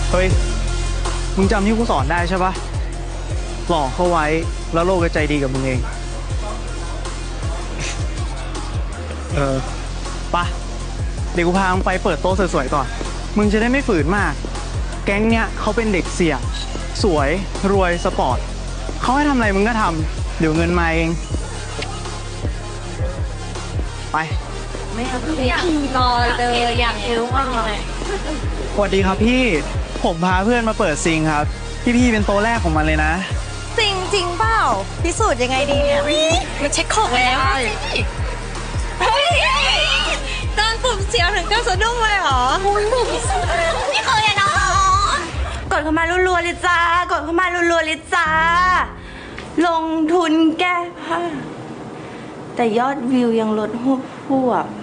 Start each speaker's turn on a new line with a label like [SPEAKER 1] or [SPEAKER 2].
[SPEAKER 1] เฮ้ย มึงจำที่กูสอนได้ใช่ปะหลอกเขาไว้แล้วโลกจะใจดีกับมึงเอง ปะเดี๋ยวกูพามึงไปเปิดโต๊ะสวยๆก่อน มึงจะได้ไม่ฝืนมาก แก๊งเนี้ยเขาเป็นเด็กเสี่ยงสวยรวยสปอร์ตเขาให้ทำอะไรมึงก็ทำเดี๋ยวเงินมาเอง ไป
[SPEAKER 2] อยากรอเลยอยากรู้ว่าไง
[SPEAKER 1] สวัสดีครับพี่ ผมพาเพื่อนมาเปิดซิงครับ พี่เป็นโต๊ะแรกของมันเลยนะ
[SPEAKER 2] จริงจริงเปล่าพิสูจน์ยังไงดีเนี่ยมาเช็คของแล้วเฮ้ยโดนปุ่มเสียวถึงก็สะดุ้งเลยเหรอนี่เคยอะเนาะกดเข้ามารัวๆเลยจ้ากดเข้ามารัวๆเลยจ้าลงทุนแก้ผ้าแต่ยอดวิวยังลดหวบ